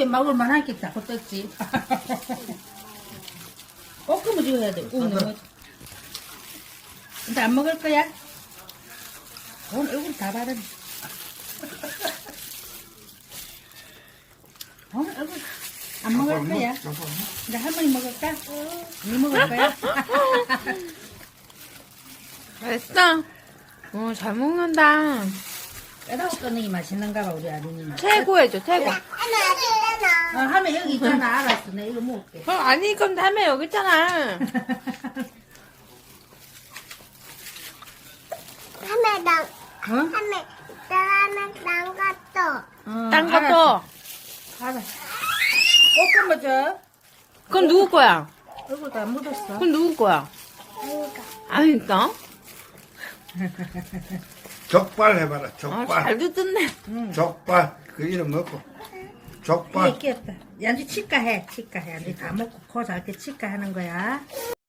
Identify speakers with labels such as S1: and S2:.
S1: 입에 먹을 만한 게 자꾸 떴지. 볶음을 지어야 돼. 너무. 근데 안 먹을 거야? 오늘 얼굴 다 바르네. 오늘 얼굴 안 먹을 거야? 근데 할머니 먹을까? 니 먹을 거야?
S2: 맛있어? 잘 먹는다.
S1: 빼다고 끊는 게 맛있는가 봐, 우리 아들님.
S2: 최고 해줘, 최고.
S1: 하면 여기 있잖아. 알았어. 내가 이거 먹을게.
S2: 아니, 그럼 다음에 여기 있잖아.
S3: 하메당
S1: 어?
S3: 하메당 것도
S2: 딴 것도.
S1: 알았어. 볶음 줘.
S2: 그건 누구 거야?
S1: 얼굴 다 묻었어.
S2: 그건 누구 거야? 아니까.
S4: 족발 해봐라, 족발.
S2: 잘 듣네.
S4: 족발. 그 이름 먹고.
S1: 이게
S4: 족발.
S1: 끼었다. 양주 치과 해. 치과 해. 양주 다 먹고 코 잘 때 치과 하는 거야.